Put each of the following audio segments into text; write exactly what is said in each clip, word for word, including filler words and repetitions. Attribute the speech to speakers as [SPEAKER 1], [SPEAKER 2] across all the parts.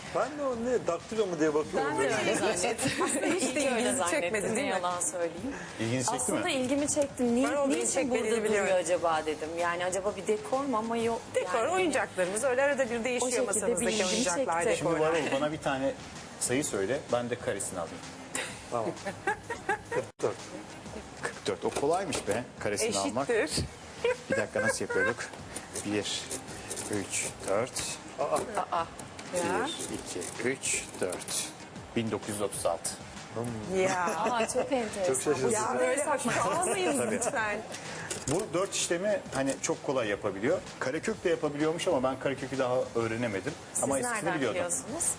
[SPEAKER 1] Ben de o ne daktilo mu diye bakıyorum.
[SPEAKER 2] Ben de öyle zannettim.
[SPEAKER 3] Hiç de ilginizi çekmedi değil mi?
[SPEAKER 2] Yalan söyleyeyim.
[SPEAKER 4] İlginizi çekti
[SPEAKER 2] Aslında
[SPEAKER 4] mi?
[SPEAKER 2] ilgimi çekti. Ni,
[SPEAKER 3] Ben o ilgini
[SPEAKER 2] niçin
[SPEAKER 3] çekmediğini
[SPEAKER 2] burada
[SPEAKER 3] biliyorum.
[SPEAKER 2] duruyor acaba dedim. Yani acaba bir dekor mu ama yok.
[SPEAKER 3] Dekor,
[SPEAKER 2] yani,
[SPEAKER 3] oyuncaklarımız öyle arada bir değişiyor
[SPEAKER 2] şekilde
[SPEAKER 3] masamızdaki
[SPEAKER 2] bir ilgimi
[SPEAKER 3] oyuncaklar,
[SPEAKER 2] çekti.
[SPEAKER 4] Şimdi
[SPEAKER 3] dekorlar.
[SPEAKER 4] Varol bana bir tane sayı söyle. Ben de karesini alayım.
[SPEAKER 1] Tamam. kırk dört.
[SPEAKER 4] kırk dört. O kolaymış be. Karesini almak.
[SPEAKER 3] Eşittir.
[SPEAKER 4] Bir dakika nasıl yapıyorduk? bir, üç, dört.
[SPEAKER 3] Aa. Ya.
[SPEAKER 4] bir, iki, üç, dört. bin dokuz yüz otuz altı.
[SPEAKER 3] Ya.
[SPEAKER 2] Aa, çok enteresan.
[SPEAKER 1] Çok şaşırtıcı.
[SPEAKER 3] Ya böyle saçmalamayın lütfen.
[SPEAKER 4] Bu dört işlemi hani çok kolay yapabiliyor. Karekök de yapabiliyormuş ama ben karekökü daha öğrenemedim.
[SPEAKER 2] Siz
[SPEAKER 4] ama eskisini
[SPEAKER 2] nereden
[SPEAKER 4] biliyordum.
[SPEAKER 2] biliyorsunuz?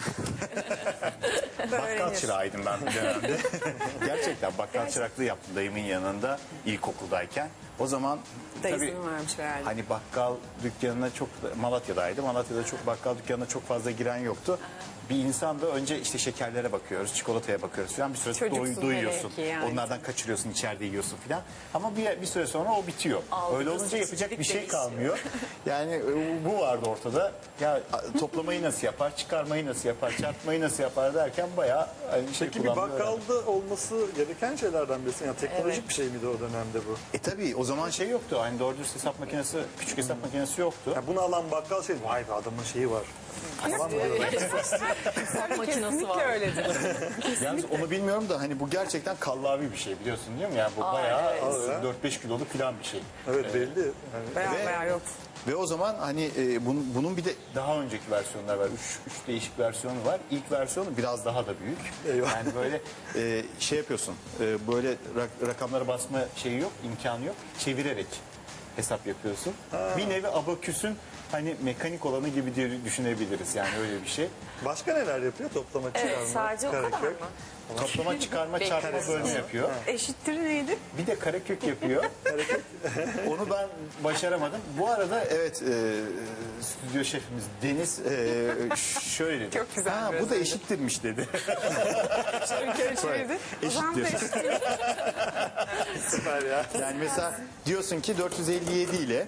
[SPEAKER 4] Bakkal
[SPEAKER 3] Öğrenir.
[SPEAKER 4] çırağıydım ben bir dönemde. Gerçekten bakkal çıraklığı yaptım dayımın yanında ilkokuldayken. O zaman tabii
[SPEAKER 3] Dayısının varmış herhalde.
[SPEAKER 4] hani bakkal dükkanına çok, Malatya'daydı. Malatya'da çok bakkal dükkanına çok fazla giren yoktu. Bir insan da önce işte şekerlere bakıyoruz, çikolataya bakıyoruz falan. Bir süre
[SPEAKER 3] Çocuksun
[SPEAKER 4] doy, doyuyorsun.
[SPEAKER 3] hele ki yani.
[SPEAKER 4] Onlardan kaçırıyorsun, içeride yiyorsun falan. Ama bir, bir süre sonra o bitiyor.
[SPEAKER 2] Algı,
[SPEAKER 4] Öyle olunca yapacak bir şey
[SPEAKER 2] değişiyor.
[SPEAKER 4] kalmıyor. Yani e, bu vardı ortada. Ya a, toplamayı nasıl yapar, çıkarmayı nasıl yapar, çarpmayı nasıl yapar derken bayağı hani şey
[SPEAKER 1] Peki bir
[SPEAKER 4] kullanmayı öğrendim.
[SPEAKER 1] bakkalda olması gereken şeylerden birisi. Yani teknolojik bir şey miydi o dönemde bu?
[SPEAKER 4] E tabii o zaman şey yoktu. Hani doğru dürüst hesap makinesi, küçük hesap makinesi yoktu.
[SPEAKER 1] Ya bunu alan bakkal şey, vay be adamın şeyi var. Falan mı diyorlar?
[SPEAKER 2] Makinesi
[SPEAKER 3] Kesinlikle
[SPEAKER 2] var.
[SPEAKER 3] öyledir.
[SPEAKER 4] Yalnız onu bilmiyorum da hani bu gerçekten kallavi bir şey biliyorsun değil mi? Yani bu bayağı
[SPEAKER 1] evet.
[SPEAKER 4] dört beş kiloluk falan bir şey.
[SPEAKER 1] Evet belli. Yani
[SPEAKER 3] Bayağı
[SPEAKER 4] Ve-
[SPEAKER 3] bayağı yok.
[SPEAKER 4] Ve o zaman hani e, bunun, bunun bir de daha önceki versiyonlar var. Üç, üç değişik versiyonu var. İlk versiyonu biraz daha da büyük.
[SPEAKER 1] Eyvah.
[SPEAKER 4] Yani böyle e, şey yapıyorsun. E, böyle rak- rakamlara basma şeyi yok, imkanı yok. Çevirerek hesap yapıyorsun. Bir nevi abaküsün hani mekanik olanı gibi diye düşünebiliriz. Yani öyle bir şey.
[SPEAKER 1] Başka neler yapıyor? Toplama, çıkarma,
[SPEAKER 2] Evet, sadece o kadar
[SPEAKER 1] karekök.
[SPEAKER 2] mı?
[SPEAKER 4] Toplama, çıkarma, çarpma, bölme yapıyor.
[SPEAKER 3] Eşittir neydi?
[SPEAKER 4] Bir de karekök yapıyor. Onu ben başaramadım. Bu arada evet e, stüdyo şefimiz Deniz e, şöyle dedi.
[SPEAKER 3] Çok güzel
[SPEAKER 4] Ha,
[SPEAKER 3] biraz
[SPEAKER 4] bu da
[SPEAKER 3] öyle.
[SPEAKER 4] eşittirmiş dedi.
[SPEAKER 3] Bir kere çevirdi. O zaman da
[SPEAKER 4] Eşittir.
[SPEAKER 3] eşittir.
[SPEAKER 1] Süper ya.
[SPEAKER 4] Yani mesela diyorsun ki dört yüz elli yedi ile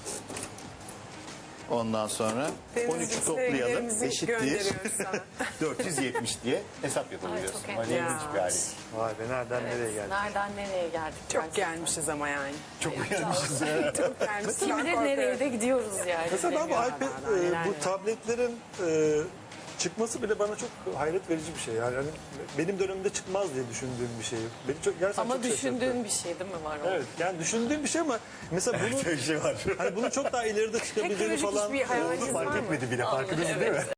[SPEAKER 4] ondan sonra on üçü toplayalım
[SPEAKER 3] Sevgilerimizi
[SPEAKER 4] eşittir
[SPEAKER 3] gönderiyoruz sana.
[SPEAKER 4] dört yüz yetmiş diye hesap yapabiliyorsun.
[SPEAKER 2] Ay, çok
[SPEAKER 4] Öyle
[SPEAKER 3] enteresan.
[SPEAKER 4] ilginç bir hali.
[SPEAKER 1] Vay be nereden nereye geldi?
[SPEAKER 2] Nereden nereye geldik?
[SPEAKER 3] Çok gelmişiz ama yani.
[SPEAKER 4] Çok uyanmışız ya.
[SPEAKER 3] Çok gelmişiz.
[SPEAKER 2] Kim
[SPEAKER 3] Ben
[SPEAKER 2] bilir
[SPEAKER 3] korkuyorum.
[SPEAKER 2] nereye de gidiyoruz yani.
[SPEAKER 1] Mesela ben bu
[SPEAKER 2] Bilemiyorum.
[SPEAKER 1] iPad,
[SPEAKER 3] daha
[SPEAKER 1] e,
[SPEAKER 3] neler
[SPEAKER 1] bu
[SPEAKER 3] neler.
[SPEAKER 1] tabletlerin e, çıkması bile bana çok hayret verici bir şey. Yani hani benim dönemimde çıkmaz diye düşündüğüm bir şey. Beni çok gerçekten
[SPEAKER 2] Ama
[SPEAKER 1] çok şaşırttı.
[SPEAKER 2] düşündüğün bir şey değil mi var o?
[SPEAKER 1] Evet yani düşündüğüm bir şey ama mesela bunu
[SPEAKER 4] Böyle bir şey var.
[SPEAKER 1] hani bunun çok daha ileride çıkabileceğini
[SPEAKER 3] Teknolojik
[SPEAKER 1] falan
[SPEAKER 3] hiçbir hayaliniz var
[SPEAKER 4] Fark
[SPEAKER 3] mı?
[SPEAKER 4] etmedi bile farkındasın değil mi?